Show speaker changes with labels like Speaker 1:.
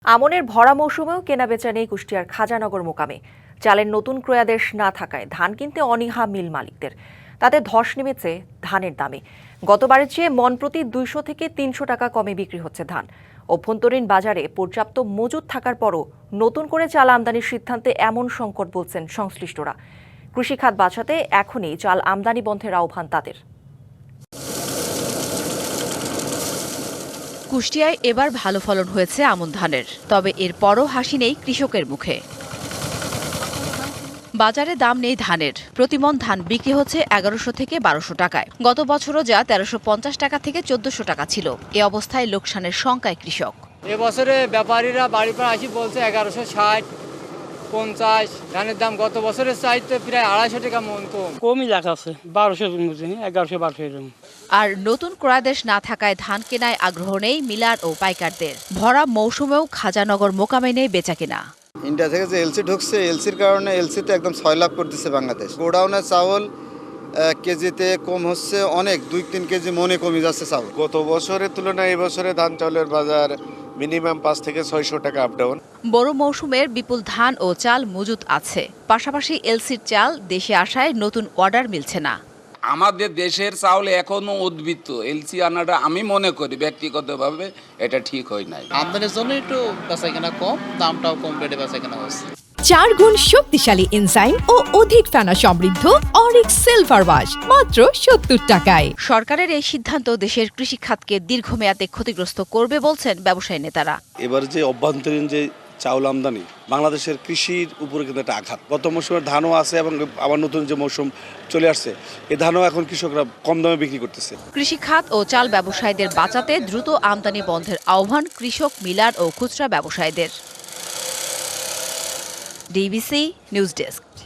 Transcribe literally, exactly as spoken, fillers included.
Speaker 1: আমনের ভরা মৌসুমেও কেনাবেচা নেই কুষ্টিয়ার খাজানগর মোকামে। চালের নতুন ক্রয়াদেশ না থাকায় ধান কিনতে অনীহা মিল মালিকদের। তাতে ধস নেমেছে ধানের দামে। গতবারের চেয়ে মন প্রতি দুইশো থেকে তিনশো টাকা কমে বিক্রি হচ্ছে ধান। অভ্যন্তরীণ বাজারে পর্যাপ্ত মজুত থাকার পরও নতুন করে চাল আমদানির সিদ্ধান্তে এমন সংকট বলছেন সংশ্লিষ্টরা। কৃষিখাত বাঁচাতে এখনই চাল আমদানি বন্ধের আহ্বান তাদের।
Speaker 2: কুষ্টিয়ায় এবার ভালো ফলন হয়েছে আমন ধানের, তবে এরপরও হাসি নেই কৃষকের মুখে। বাজারে দাম নেই ধানের। প্রতিমন ধান বিক্রি হচ্ছে এগারোশো থেকে বারোশো টাকায়। গত বছরও যা তেরোশো পঞ্চাশ টাকা থেকে চোদ্দশো টাকা ছিল। এ অবস্থায় লোকসানের শঙ্কায় কৃষক।
Speaker 3: এবছরে ব্যাপারীরা বাড়ি পর আসি বলছে এগারোশো ষাট পঞ্চাশ ধানের দাম গত বছরের চাইতে প্রায় আড়াইশো টাকা মন কম।
Speaker 4: কমই লেখা আছে বারোশো এগারোশো বারোশো এরকম।
Speaker 2: আর নতুন ক্রয়াদেশ না থাকায় ধান কেনায় আগ্রহ নেই মিলার ও পাইকারদের। ভরা মৌসুমেও খাজানগর মোকামে নেই বেচাকেনা।
Speaker 5: ইন্ডিয়া থেকে যে এলসি ঢুকছে, এলসির কারণে এলসিতে একদম ছয় লাখ করে দিচ্ছে বাংলাদেশ। গোডাউনের চাউল কেজিতে কম হচ্ছে অনেক, দুই তিন কেজি মনে কমে যাচ্ছে চাউল।
Speaker 6: গত বছরের তুলনায় এবছরে ধান চাউলের বাজার মিনিমাম পাঁচ থেকে ছয়শো টাকা আপ ডাউন।
Speaker 2: বড় মৌসুমের বিপুল ধান ও চাল মজুত আছে, পাশাপাশি এলসির চাল দেশে আসায় নতুন অর্ডার মিলছে না।
Speaker 7: আমাদের দেশের চাউল এখনো উদ্বৃত্ত। এলসি আনাটা আমি মনে করি ব্যক্তিগতভাবে এটা ঠিক হয় নাই।
Speaker 8: আমদানির জন্য একটু বেচাকেনা কম, দামটাও কম রেটে বেচাকেনা হচ্ছে।
Speaker 9: চার গুণ শক্তিশালী এনজাইম ও অধিক ফেনা সমৃদ্ধ অরিক্স সিলভার ওয়াশ মাত্র সত্তর টাকায়।
Speaker 2: সরকারের এই সিদ্ধান্ত দেশের কৃষি খাতকে দীর্ঘমেয়াদে ক্ষতিগ্রস্ত করবে বলছেন ব্যবসায়ী নেতারা।
Speaker 10: এবার যে অভ্যন্তরীণ যে চাউল আমদানি বাংলাদেশের কৃষির উপরে কিন্তু একটা আঘাত। গত মৌসুমের ধানও আছে এবং আবার নতুন যে মৌসুম চলে আসছে এই ধানও এখন কৃষকরা কম দামে বিক্রি করতেছে।
Speaker 2: কৃষি খাত ও চাল ব্যবসায়ীদের বাঁচাতে দ্রুত আমদানি বন্ধের আহ্বান কৃষক, মিলার ও খুচরা ব্যবসায়ীদের। DBC news desk.